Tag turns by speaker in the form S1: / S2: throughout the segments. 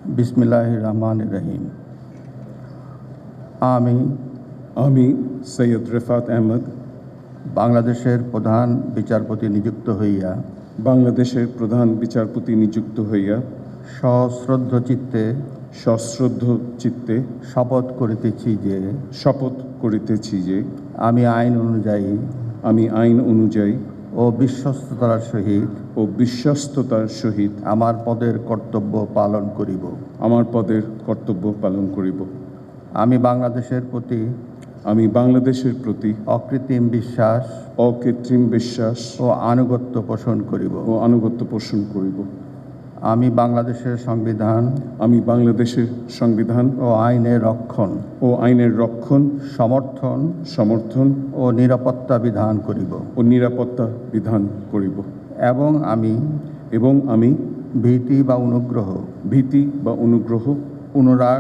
S1: বিসমিল্লাহির রহমানির রহিম।
S2: আমি সৈয়দ রেফাত আহমদ
S1: বাংলাদেশের প্রধান বিচারপতি নিযুক্ত হইয়া সশ্রদ্ধ চিত্তে শপথ করিতেছি যে আমি আইন অনুযায়ী ও বিশ্বস্ততার সহিত আমার পদের কর্তব্য পালন করিব। আমি বাংলাদেশের প্রতি অকৃত্রিম বিশ্বাস ও আনুগত্য পোষণ করিব। আমি বাংলাদেশের সংবিধান ও আইনের রক্ষণ সমর্থন ও নিরাপত্তা বিধান করিব। এবং আমি ভীতি বা অনুগ্রহ অনুরাগ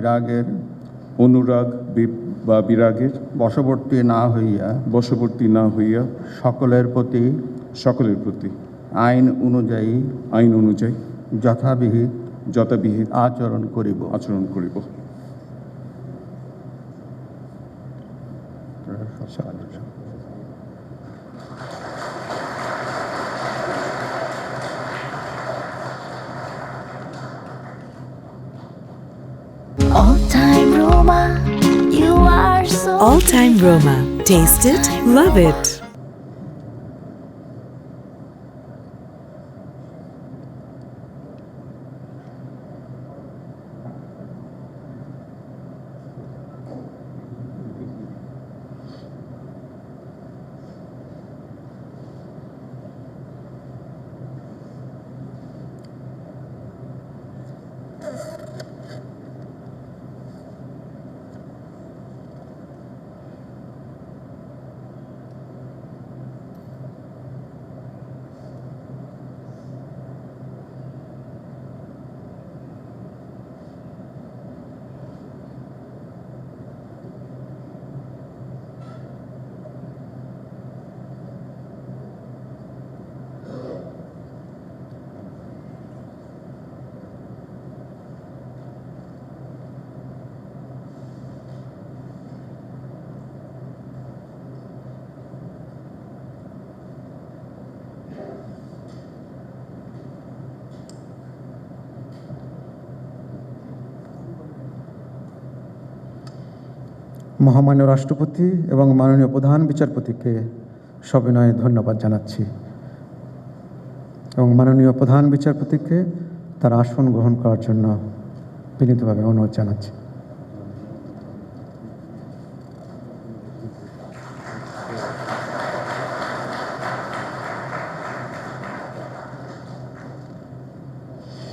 S1: বা বিরাগের বশবর্তী না হইয়া সকলের প্রতি আইন অনুযায়ী যথাবিহিত আচরণ করিব।
S3: All-time Roma, you are so
S4: All-time Roma. Taste it, love it.
S5: মহামান্য রাষ্ট্রপতি এবং মাননীয় প্রধান বিচারপতিকে সবিনয়ে ধন্যবাদ জানাচ্ছি এবং মাননীয় প্রধান বিচারপতিকে তার আসন গ্রহণ করার জন্য বিনীতভাবে অনুরোধ জানাচ্ছি।